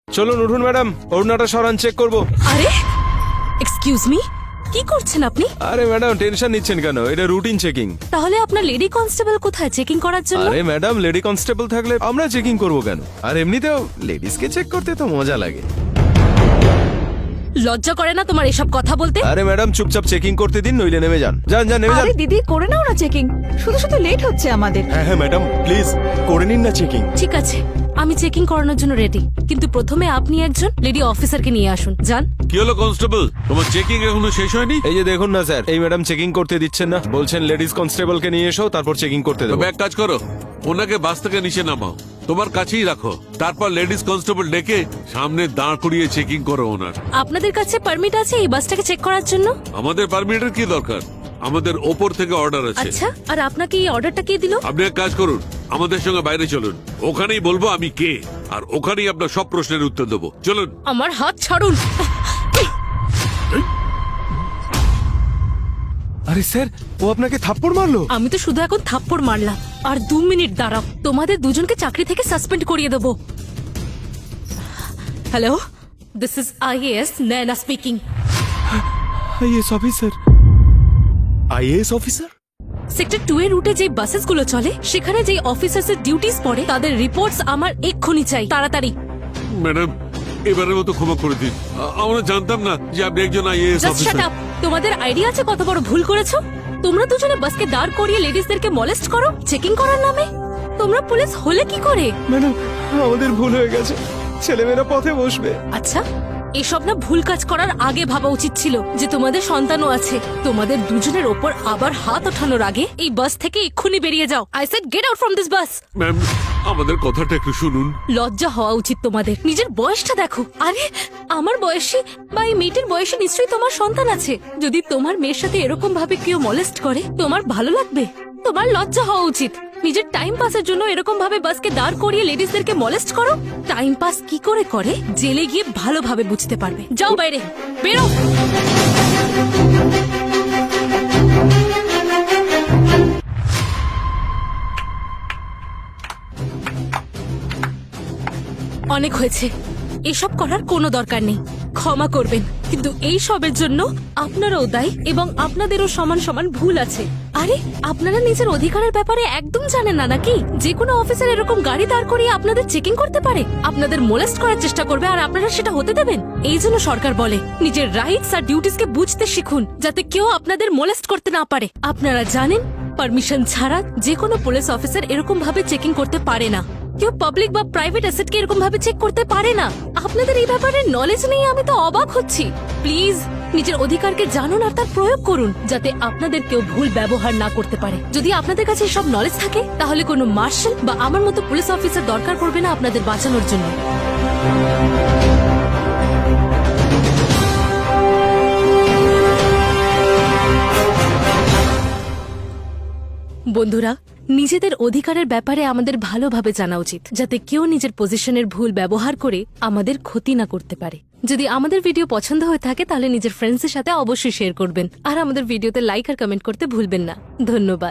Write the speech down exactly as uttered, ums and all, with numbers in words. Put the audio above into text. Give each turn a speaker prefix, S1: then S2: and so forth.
S1: চলুন উঠুন ম্যাডাম, ওড়নাটা সরান, চেক করব।
S2: আরে এক্সকিউজ মি, কি করছেন আপনি?
S1: আরে ম্যাডাম টেনশন নিচ্ছেন কেন? এটা রুটিন চেকিং।
S2: তাহলে আপনার লেডি কনস্টেবল কোথায় চেকিং করার জন্য?
S1: আরে ম্যাডাম লেডি কনস্টেবল থাকলে আমরা চেকিং করব কেন? আর এমনিতেও লেডিসকে চেক করতে তো মজা লাগে।
S2: লজ্জা করে না তোমার এসব কথা বলতে?
S1: আরে ম্যাডাম চুপচাপ চেকিং করতে দিন, নইলে নেমে যান। যান যান নেমে যান।
S3: আরে দিদি করে নাও না চেকিং, শুধু শুধু লেট হচ্ছে আমাদের।
S1: হ্যাঁ হ্যাঁ ম্যাডাম প্লিজ করে নিন না চেকিং।
S2: ঠিক আছে, আমি চেকিং করানোর জন্য রেডি, কিন্তু প্রথমে আপনি একজন লেডি অফিসারকে নিয়ে আসুন। যান।
S4: কি হলো কনস্টেবল, তোমার চেকিং এখনো শেষ হয়নি?
S1: এই যে দেখুন না স্যার, এই ম্যাডাম চেকিং করতে দিচ্ছেন না, বলছেন লেডিস কনস্টেবলকে নিয়ে এসো তারপর চেকিং করতে দেবো।
S4: তবে এক কাজ করো, ওনাকে বাস থেকে নিচে নামাও, তোমার কাছেই রাখো, তারপর লেডিস কনস্টেবল ডেকে সামনে দাঁড় করিয়ে চেকিং করো ওনার।
S2: আপনাদের কাছে পারমিট আছে এই বাসটাকে চেক করার জন্য?
S4: আমাদের পারমিটের কি দরকার, আমাদের ওপর থেকে অর্ডার আছে।
S2: আচ্ছা, আর আপনাকে এই অর্ডারটা কে দিল?
S4: আপনি এক কাজ করুন, আমাদের সঙ্গে বাইরে চলুন, ওখানেই বলবো আমি কে, আর ওখানেই আপনার সব প্রশ্নের উত্তর দেবো। চলুন।
S2: আমার হাত ছাড়ুন।
S1: আরে স্যার, ও আপনাকে থাপ্পড় মারলো?
S2: আমি তো শুধু এখন থাপ্পড় মারলাম, আর দু মিনিট দাঁড়াও, তোমাদের দুজনকে চাকরি থেকে সাসপেন্ড করিয়ে দেবো। Hello, this is IAS Nayna speaking.
S1: IAS officer? IAS officer?
S2: Sector two এর রুটে যে বাসেস গুলো চলে, সেখানে যে অফিসার্স এর ডিউটিস পড়ে, তাদের রিপোর্টস আমার এক্ষুনি চাই, তাড়াতাড়ি।
S4: ম্যাডাম এবারের মতো ক্ষমা করে দিন, আ- আমরা জানতাম না যে আপনি একজন IAS
S2: just shut
S4: officer.
S2: Up. তোমাদের আইডিয়া আছে কত বড় ভুল করেছো? তোমরা দুজনে বাসকে দাঁড় করিয়ে লেডিসদেরকে মলেস্ট করো চেকিং করার নামে। তোমরা পুলিশ হলে কি করে?
S1: ম্যাডাম আমাদের ভুল হয়ে গেছে, ছেলেমেয়েরা পথে বসবে।
S2: আচ্ছা, এসব না ভুল কাজ করার আগে ভাবা উচিত ছিল যে তোমাদের সন্তানও আছে। তোমাদের দুজনের ওপর আবার হাত ওঠানোর আগে এই বাস থেকে এক্ষুনি বেরিয়ে যাও। I said get out from this bus.
S4: Ma'am আমাদের কথাটা একটু শুনুন।
S2: লজ্জা হওয়া উচিত তোমাদের, নিজের বয়সটা দেখো। আরে আমার বয়সী বা এই মেয়েটির বয়সে নিশ্চয়ই তোমার সন্তান আছে। যদি তোমার মেয়ের সাথে এরকম ভাবে কেউ মলেস্ট করে, তোমার ভালো লাগবে? তোমার লজ্জা হওয়া উচিত। নিজের টাইম পাসের জন্য এরকম ভাবে বাসকে দাঁড় করিয়ে লেডিসদেরকে মলেস্ট করো। টাইম পাস কি করে করে জেলে গিয়ে ভালোভাবে বুঝতে পারবে। যাও বাইরে, বেরো। অনেক হয়েছে, এসব করার কোনো দরকার নেই, ক্ষমা করবেন। কিন্তু এই সবের জন্য আপনারাও দায়ী এবং আপনাদেরও সমান সমান ভুল আছে। আরে আপনারা নিজের অধিকারের ব্যাপারে একদম জানেন না নাকি? যে কোনো অফিসার এরকম গাড়ি দাঁড় করিয়ে আপনাদের চেকিং করতে পারে, আপনাদের মোলেস্ট করার চেষ্টা করবে, আর আপনারা সেটা হতে দেবেন? এই জন্য সরকার বলে নিজের রাইটস আর ডিউটিসকে বুঝতে শিখুন, যাতে কেউ আপনাদের মোলেস্ট করতে না পারে। আপনারা জানেন পারমিশন ছাড়া যে কোনো পুলিশ অফিসার এরকম ভাবে চেকিং করতে পারে না। কেউ পাবলিক বা প্রাইভেট অ্যাসেটকে এরকম ভাবে চেক করতে পারে না। আপনাদের এই ব্যাপারে নলেজ নেই, আমি তো অবাক হচ্ছি। প্লিজ নিজের অধিকারকে জানুন আর তার প্রয়োগ করুন, যাতে আপনাদের কেউ ভুল ব্যবহার না করতে পারে। যদি আপনাদের কাছে সব নলেজ থাকে, তাহলে কোনো মার্শাল বা আমার মতো পুলিশ অফিসার দরকার পড়বে না আপনাদের বাঁচানোর জন্য। বন্ধুরা, নিজেদের অধিকারের ব্যাপারে আমাদের ভালোভাবে জানা উচিত, যাতে কেউ নিজের পজিশনের ভুল ব্যবহার করে আমাদের ক্ষতি না করতে পারে। যদি আমাদের ভিডিও পছন্দ হয়ে থাকে, তাহলে নিজের ফ্রেন্ডসদের সাথে অবশ্যই শেয়ার করবেন, আর আমাদের ভিডিওতে লাইক আর কমেন্ট করতে ভুলবেন না। ধন্যবাদ।